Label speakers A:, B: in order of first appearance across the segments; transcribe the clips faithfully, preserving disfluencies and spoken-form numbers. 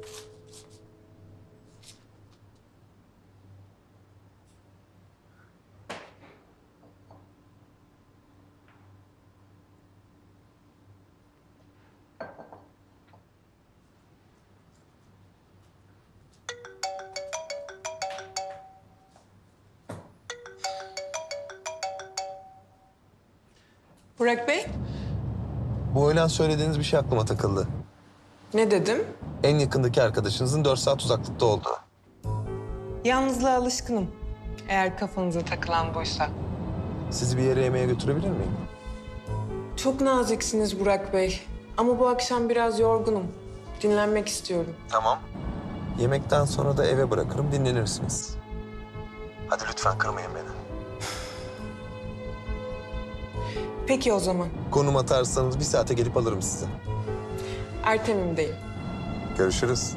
A: Burak Bey,
B: Bu öğlen söylediğiniz bir şey aklıma takıldı.
A: ne dedim?
B: En yakındaki arkadaşınızın dört saat uzaklıkta olduğu.
A: Yalnızlığa alışkınım. Eğer kafanıza takılan buysa.
B: Sizi bir yere yemeğe götürebilir miyim?
A: Çok naziksiniz Burak Bey. Ama bu akşam biraz yorgunum. Dinlenmek istiyorum.
B: Tamam. Yemekten sonra da eve bırakırım, dinlenirsiniz. Hadi lütfen kırmayın beni.
A: Peki o zaman.
B: Konum atarsanız bir saate gelip alırım sizi.
A: Ertemim'deyim.
B: Görüşürüz.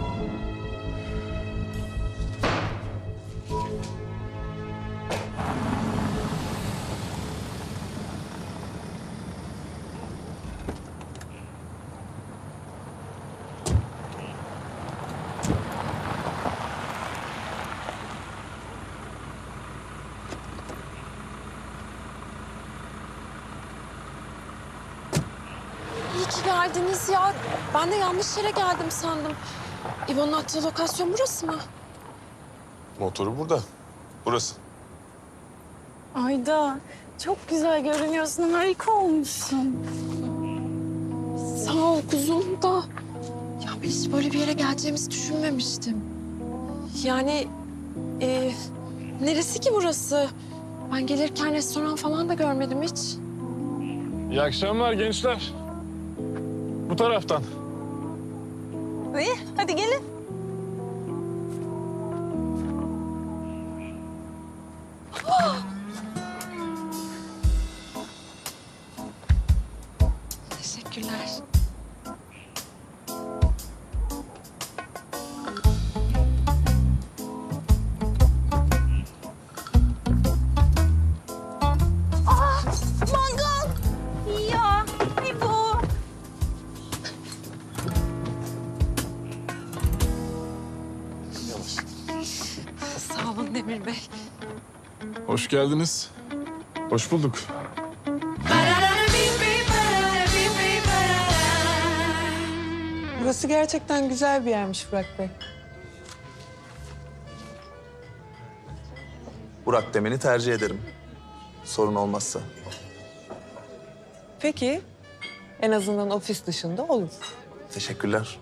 C: İyi ki geldiniz ya. Ben de yanlış yere geldim sandım. İbo'nun attığı lokasyon burası mı?
D: Motoru burada. Burası.
E: Ayda çok güzel görünüyorsun. Harika olmuşsun.
C: Sağ ol kuzum da. Ya ben hiç böyle bir yere geleceğimizi düşünmemiştim. Yani e, neresi ki burası? Ben gelirken restoran falan da görmedim hiç.
D: İyi akşamlar gençler. Bu taraftan.
E: İyi, hadi gelin.
C: Teşekkürler.
E: Mangal. Ya, İbo.
C: Sağ olun Demir Bey.
D: Hoş geldiniz. Hoş bulduk.
A: Burası gerçekten güzel bir yermiş Burak Bey.
B: Burak demeni tercih ederim. Sorun olmazsa.
A: Peki, en azından ofis dışında olur.
B: Teşekkürler.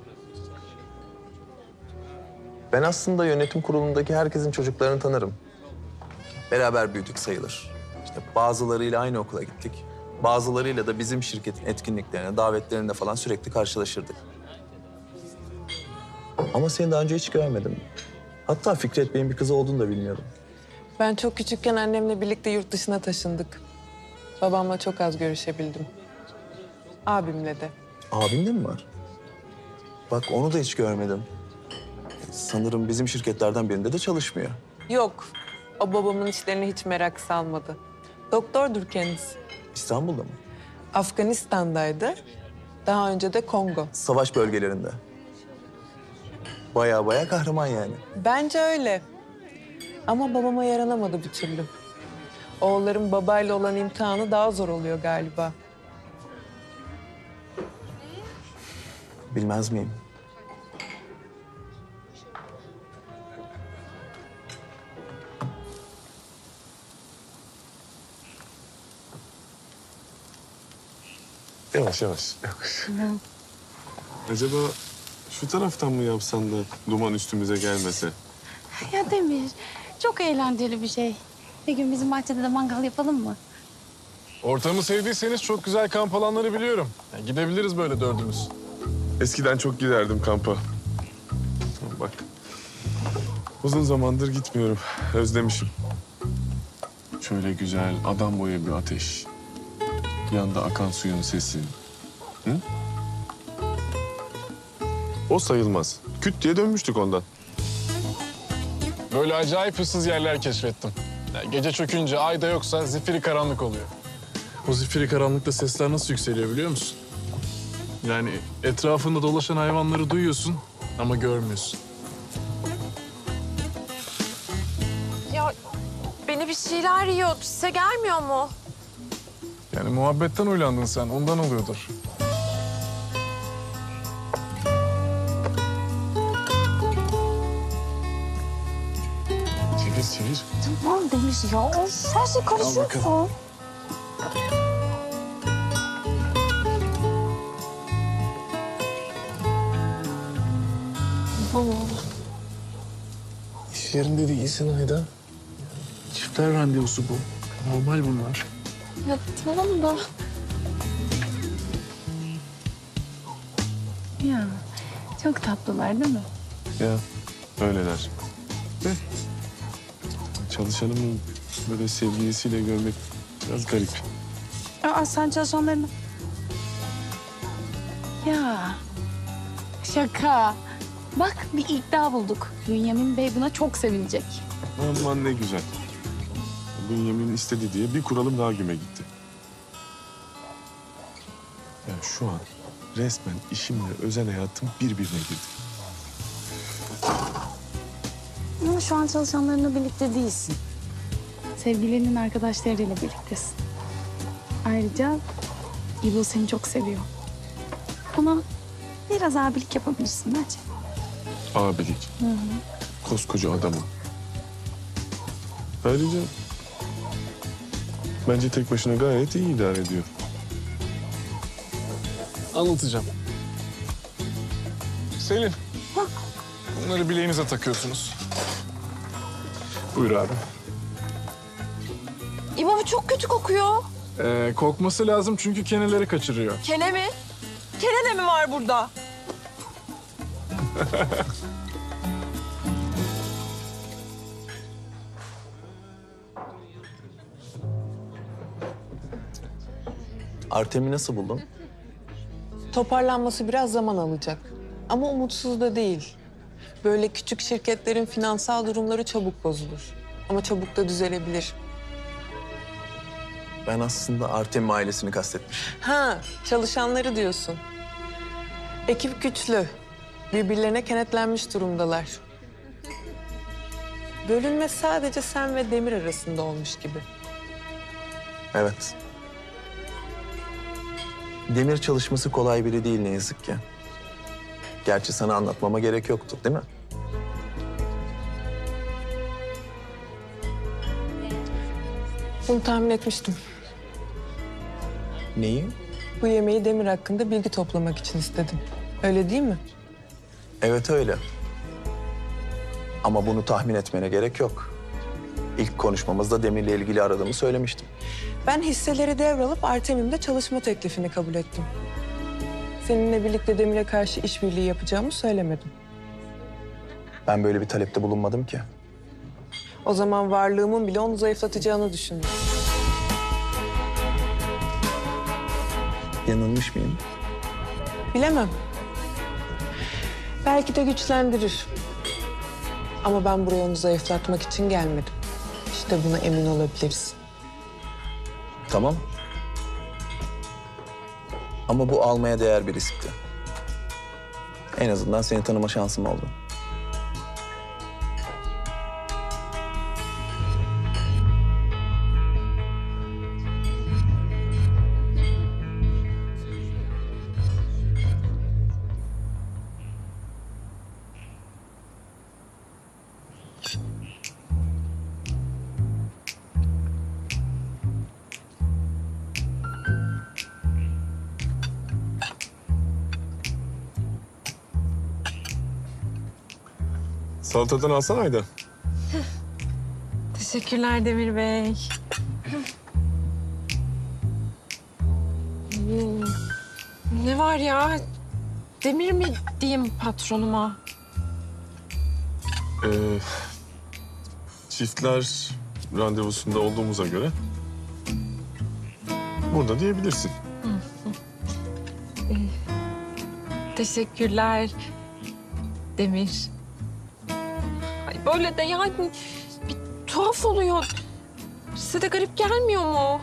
B: Ben aslında yönetim kurulundaki herkesin çocuklarını tanırım. Beraber büyüdük sayılır. İşte bazılarıyla aynı okula gittik. Bazılarıyla da bizim şirketin etkinliklerine, davetlerinde falan sürekli karşılaşırdık. Ama seni daha önce hiç görmedim. Hatta Fikret Bey'in bir kızı olduğunu da bilmiyordum.
A: Ben çok küçükken annemle birlikte yurt dışına taşındık. Babamla çok az görüşebildim. Abimle de.
B: Abin de mi var? Bak onu da hiç görmedim. Sanırım bizim şirketlerden birinde de çalışmıyor.
A: Yok, o babamın işlerine hiç merak salmadı. Doktordur kendisi.
B: İstanbul'da mı?
A: Afganistan'daydı. Daha önce de Kongo.
B: Savaş bölgelerinde. Baya baya kahraman yani.
A: Bence öyle. Ama babama yaranamadı bir türlü. Oğulların babayla olan imtihanı daha zor oluyor galiba.
B: Bilmez miyim?
D: Yavaş yavaş. Yavaş. Acaba şu taraftan mı yapsan da duman üstümüze gelmese?
E: Ya Demir, çok eğlenceli bir şey. Bir gün bizim bahçede de mangal yapalım mı?
D: Ortamı sevdiyseniz çok güzel kamp alanları biliyorum. Yani gidebiliriz böyle dördümüz. Eskiden çok giderdim kampa. Bak. Uzun zamandır gitmiyorum. Özlemişim. Şöyle güzel adam boyu bir ateş. Yanda akan suyun sesi. Hı? O sayılmaz. Küt diye dönmüştük ondan. Böyle acayip ıssız yerler keşfettim. Yani gece çökünce ay da yoksa zifiri karanlık oluyor. O zifiri karanlıkta sesler nasıl yükseliyor biliyor musun? Yani etrafında dolaşan hayvanları duyuyorsun Ama görmüyorsun.
C: Ya beni bir şeyler yiyor. Size gelmiyor mu?
D: Yani muhabbetten uylandın sen, ondan oluyordur. Çevir, çevir.
E: Tamam Demir ya. Of, her şey karışıyorsun.
D: İş yerinde değilsin Ayda. Çiftler randevusu bu. Normal bunlar.
C: Ya tamam da.
E: Ya çok tatlılar değil mi?
D: Ya öyleler. De çalışanımı böyle sevgilisiyle görmek biraz garip.
E: Aa, sen çalışanlarını... Ya şaka. Bak bir iddia bulduk. Bünyamin Bey buna çok sevinecek.
D: Aman ne güzel. Bünyamin istedi diye bir kuralım daha güme gitti. Ya şu an resmen işimle özel hayatım birbirine girdi.
E: Ama şu an çalışanlarınla birlikte değilsin. Sevgililerinin arkadaşlarıyla birliktesin. Ayrıca İbo seni çok seviyor. Ona biraz abilik yapabilirsin bence.
D: Abilik. Koskoca adamım. Ayrıca bence tek başına gayet iyi idare ediyor. Anlatacağım. Selin. Bunları bileğinize takıyorsunuz. Buyur abi.
C: İbo bu çok kötü kokuyor.
D: Ee, kokması lazım çünkü keneleri kaçırıyor.
C: Kene mi? Kene de mi var burada?
B: Artem'i nasıl buldun?
A: Toparlanması biraz zaman alacak. Ama umutsuz da değil. Böyle küçük şirketlerin finansal durumları çabuk bozulur. Ama çabuk da düzelebilir.
B: Ben aslında Artem ailesini kastetmişim.
A: Ha, çalışanları diyorsun. Ekip güçlü. Birbirlerine kenetlenmiş durumdalar. Bölünme sadece sen ve Demir arasında olmuş gibi.
B: Evet. Demir çalışması kolay biri değil ne yazık ki. Gerçi sana anlatmama gerek yoktu, değil mi?
A: Bunu tahmin etmiştim.
B: Neyi?
A: Bu yemeği Demir hakkında bilgi toplamak için istedim. Öyle değil mi?
B: Evet öyle. Ama bunu tahmin etmene gerek yok. İlk konuşmamızda Demir'le ilgili aradığımı söylemiştim.
A: Ben hisseleri devralıp Artemim'de çalışma teklifini kabul ettim. Seninle birlikte Demir'e karşı işbirliği yapacağımı söylemedim.
B: Ben böyle bir talepte bulunmadım ki.
A: O zaman varlığımın bile onu zayıflatacağını düşündüm.
B: Yanılmış mıyım?
A: Bilemem. Belki de güçlendirir. Ama ben buraya onu zayıflatmak için gelmedim. İşte buna emin olabiliriz.
B: Tamam. Ama bu almaya değer bir riskti. En azından seni tanıma şansım oldu.
D: Salatadan alsana Ayda.
C: Teşekkürler Demir Bey. Hmm, ne var ya? Demir mi diyeyim patronuma?
D: Ee, çiftler randevusunda olduğumuza göre burada diyebilirsin.
C: Teşekkürler Demir. Ay böyle de yani bir tuhaf oluyor. Size de garip gelmiyor mu?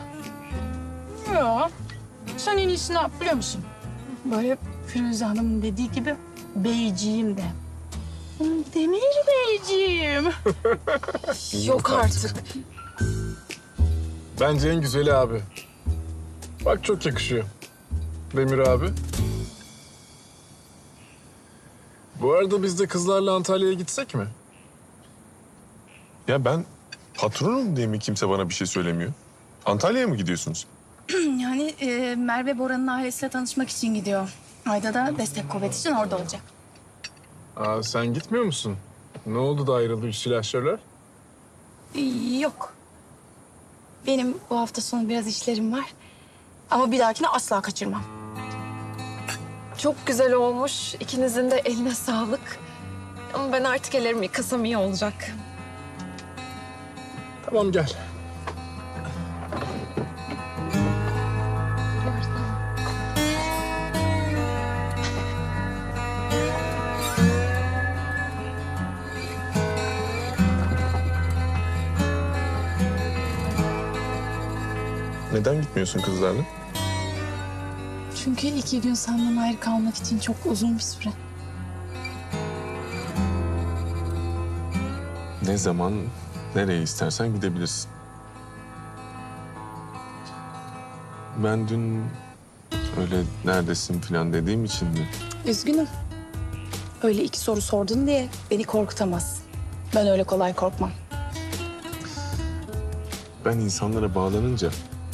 E: Ya sen en iyisini yap biliyor musun? Böyle Firuze Hanım'ın dediği gibi Beyciğim de. Demir Beyciğim.
C: Yok artık.
D: Bence en güzeli abi. Bak çok yakışıyor. Demir abi. Bu arada biz de kızlarla Antalya'ya gitsek mi?
F: Ya ben patronum diye mi kimse bana bir şey söylemiyor? Antalya'ya mı gidiyorsunuz?
E: Yani e, Merve Bora'nın ailesiyle tanışmak için gidiyor. Ayda da destek kuvvet için orada olacak.
D: Aa, sen gitmiyor musun? Ne oldu da ayrıldı üç silahşörler?
E: Ee, Yok. Benim bu hafta sonu biraz işlerim var. Ama bir dahakine asla kaçırmam.
C: Çok güzel olmuş. İkinizin de eline sağlık. Ama ben artık ellerimi yıkasam iyi olacak.
D: Tamam gel.
F: Neden gitmiyorsun kızlarla?
E: Çünkü iki gün senden ayrı kalmak için çok uzun bir süre.
F: Ne zaman, nereye istersen gidebilirsin. Ben dün öyle neredesin falan dediğim için mi?
E: Üzgünüm. Öyle iki soru sordun diye beni korkutamazsın. Ben öyle kolay korkmam.
F: Ben insanlara bağlanınca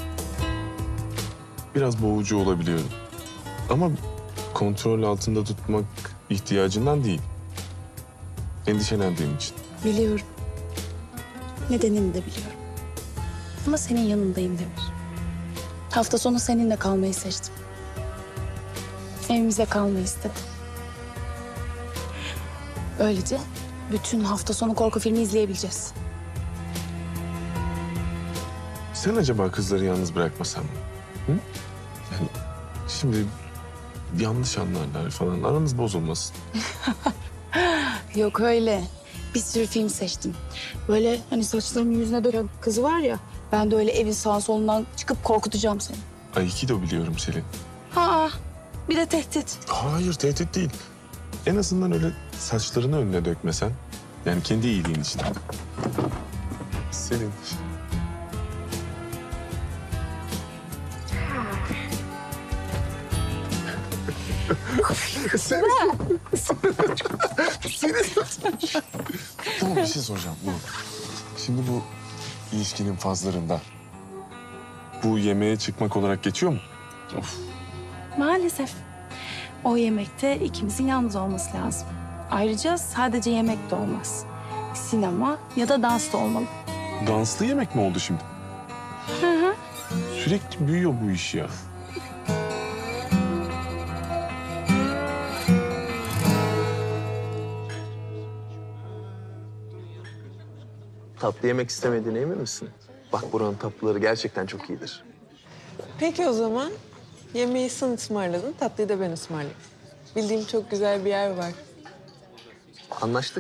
F: biraz boğucu olabiliyorum. Ama kontrol altında tutmak ihtiyacından değil. Endişelendiğim için.
E: Biliyorum. Nedenini de biliyorum. Ama senin yanındayım Demir. Hafta sonu seninle kalmayı seçtim. Evimize kalmayı istedim. Böylece bütün hafta sonu korku filmi izleyebileceğiz.
F: Sen acaba kızları yalnız bırakmasan mı? Hı? Yani şimdi yanlış anlarlar falan. Aranız bozulmasın.
E: Yok öyle. Bir sürü film seçtim. Böyle hani saçlarını yüzüne döken kızı var ya. Ben de öyle evin sağ solundan çıkıp korkutacağım seni.
F: Aikido biliyorum Selin.
E: Ha, bir de tehdit.
F: Hayır, tehdit değil. En azından öyle saçlarını önüne dökmesen. Yani kendi iyiliğin için. Selin. Tamam, bir şey soracağım. Bu, şimdi bu ilişkinin fazlarında bu yemeğe çıkmak olarak geçiyor mu?
E: Maalesef. O yemekte ikimizin yalnız olması lazım. Ayrıca sadece yemek de olmaz. Sinema ya da dans da olmalı.
F: Danslı yemek mi oldu şimdi?
E: Hı hı.
F: Sürekli büyüyor bu iş ya.
B: Tatlı yemek istemediğine emin misin? Bak buranın tatlıları gerçekten çok iyidir.
A: Peki o zaman yemeği sen ısmarladın, tatlıyı da ben ısmarlayayım. Bildiğim çok güzel bir yer var.
B: Anlaştık.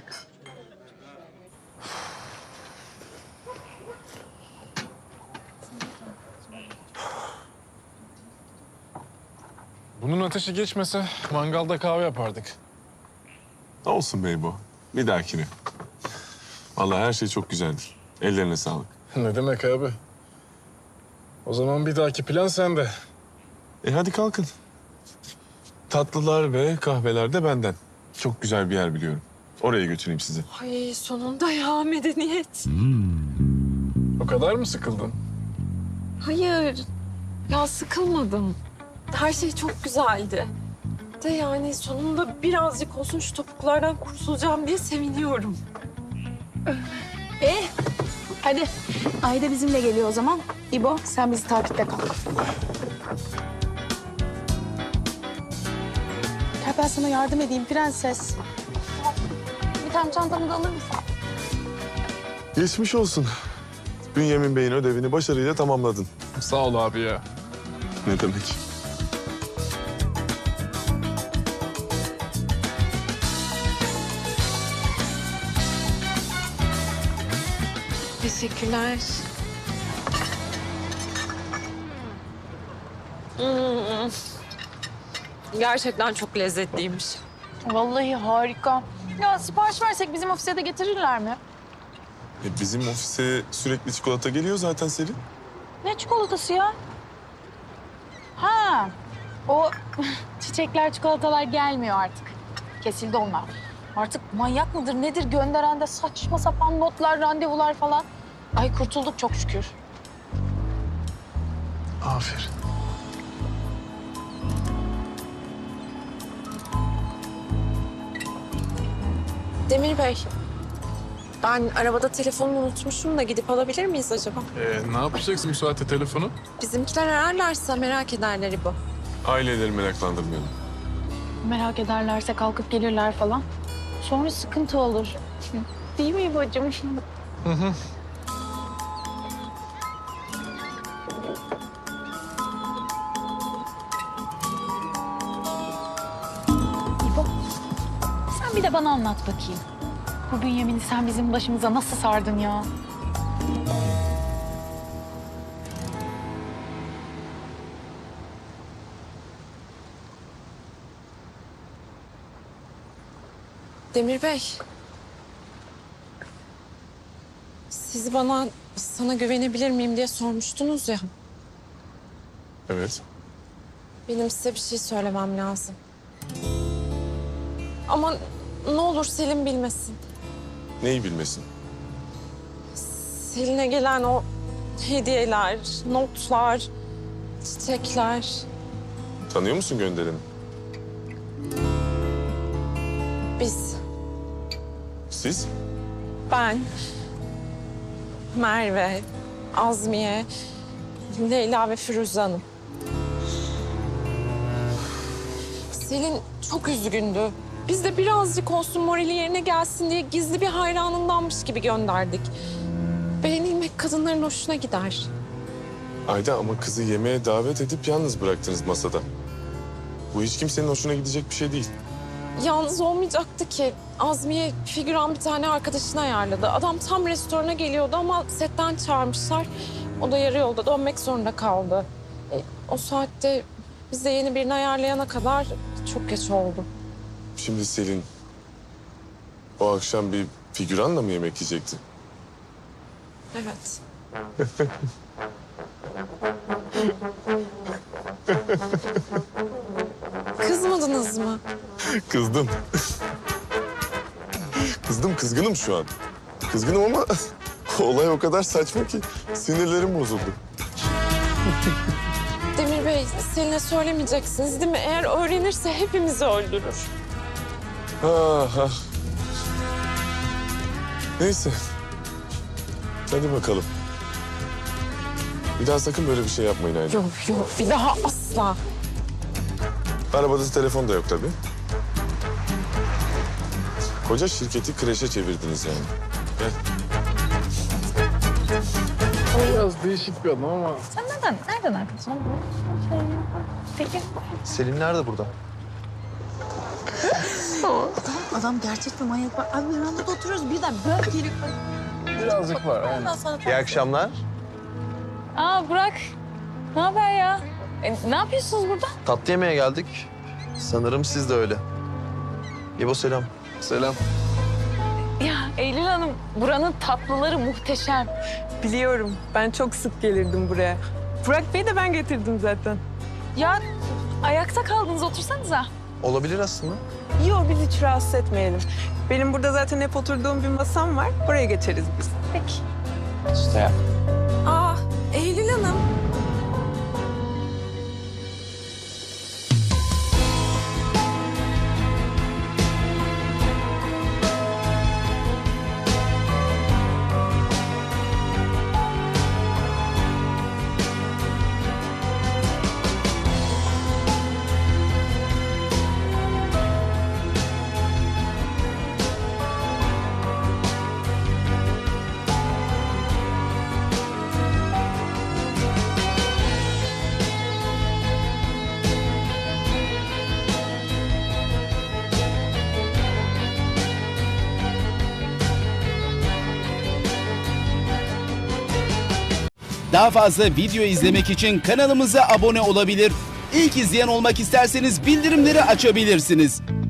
D: Bunun ateşi geçmese mangalda kahve yapardık.
F: Olsun Beybo. Bir dahakine. Vallahi her şey çok güzeldir. Ellerine sağlık.
D: Ne demek abi? O zaman bir dahaki plan sende.
F: E hadi kalkın. Tatlılar ve kahveler de benden. Çok güzel bir yer biliyorum. Oraya götüreyim sizi.
C: Ay sonunda ya medeniyet.
D: O kadar mı sıkıldın?
C: Hayır. Ya sıkılmadım. Her şey çok güzeldi. De yani sonunda birazcık olsun şu topuklardan kurtulacağım diye seviniyorum.
E: E, hadi. Ayda bizimle geliyor o zaman. İbo, sen bizi takipte kal. Gel ben sana yardım edeyim prenses. Bir tane çantamı da alır mısın?
F: Geçmiş olsun. Bünyamin Bey'in ödevini başarıyla tamamladın.
D: Sağ ol abi ya.
F: Ne demek?
C: Teşekkürler. Hmm. Gerçekten çok lezzetliymiş.
G: Vallahi harika. Ya sipariş versek bizim ofise de getirirler mi?
F: E, bizim ofise sürekli çikolata geliyor zaten Selin.
G: Ne çikolatası ya? Ha, o çiçekler, çikolatalar gelmiyor artık. Kesildi onlar. Artık manyak mıdır nedir gönderen de saçma sapan notlar, randevular falan. Ay kurtulduk çok şükür.
F: Aferin.
C: Demir Bey, ben arabada telefonumu unutmuşum da gidip alabilir miyiz acaba?
D: Ee, ne yapacaksın bu saatte telefonu?
C: Bizimkiler ararlarsa merak ederler İbo.
F: Aileleri meraklandırmayalım.
G: Merak ederlerse kalkıp gelirler falan. Sonra sıkıntı olur. Değil mi İbo'cum? İbo, sen bir de bana anlat bakayım. Bu Bünyamin'i sen bizim başımıza nasıl sardın ya?
C: Demir Bey, siz bana sana güvenebilir miyim diye sormuştunuz ya.
F: Evet.
C: Benim size bir şey söylemem lazım. Ama ne olur Selim bilmesin.
F: Neyi bilmesin?
C: Selin'e gelen o hediyeler, notlar, çiçekler.
F: Tanıyor musun göndereni?
C: Biz,
F: Siz?
C: ben, Merve, Azmiye, Leyla ve Firuze Hanım. Selin çok üzgündü. Biz de birazcık olsun morali yerine gelsin diye gizli bir hayranındanmış gibi gönderdik. Beğenilmek kadınların hoşuna gider.
F: Ayda ama kızı yemeğe davet edip yalnız bıraktınız masada. Bu hiç kimsenin hoşuna gidecek bir şey değil.
C: Yalnız olmayacaktı ki. Azmiye figüran bir tane arkadaşını ayarladı. Adam tam restorana geliyordu ama setten çağırmışlar. O da yarı yolda dönmek zorunda kaldı. E, o saatte biz de yeni birini ayarlayana kadar çok geç oldu.
F: Şimdi Selin o akşam bir figüranla mı yemek yiyecekti?
C: Evet. Kızmadınız mı?
F: Kızdım. Kızdım, kızgınım şu an. Kızgınım ama olay o kadar saçma ki sinirlerim bozuldu.
C: Demir Bey, Selin'e söylemeyeceksiniz değil mi? Eğer öğrenirse hepimizi öldürür.
F: Ah, ah. Neyse. Hadi bakalım. Bir daha sakın böyle bir şey yapmayın Ayla.
C: Yok yok, bir daha asla.
F: Arabada telefon da yok tabii. Koca şirketi kreşe çevirdiniz yani. Gel.
D: Biraz değişik bir adam ama...
G: Sen nereden, nereden arkadaşın? Peki.
B: Selin nerede burada?
E: Adam gerçek bir manyak var. Abi verandada oturuyoruz birden böyle gelip...
D: Birazcık var, aynen.
E: Ondan sonra
B: İyi akşamlar.
G: Aa Burak, ne haber ya? E, ne yapıyorsunuz burada?
B: Tatlı yemeğe geldik. Sanırım siz de öyle. İbo selam.
D: Selam.
G: Ya Eylül Hanım, buranın tatlıları muhteşem.
A: Biliyorum. Ben çok sık gelirdim buraya. Burak Bey'i de ben getirdim zaten.
G: Ya ayakta kaldınız, otursanıza.
B: Olabilir aslında.
A: Yok, biz hiç rahatsız etmeyelim. Benim burada zaten hep oturduğum bir masam var. Oraya geçeriz biz.
G: Peki.
D: İşte.
C: Aa, Eylül Hanım.
H: Daha fazla video izlemek için kanalımıza abone olabilir. İlk izleyen olmak isterseniz bildirimleri açabilirsiniz.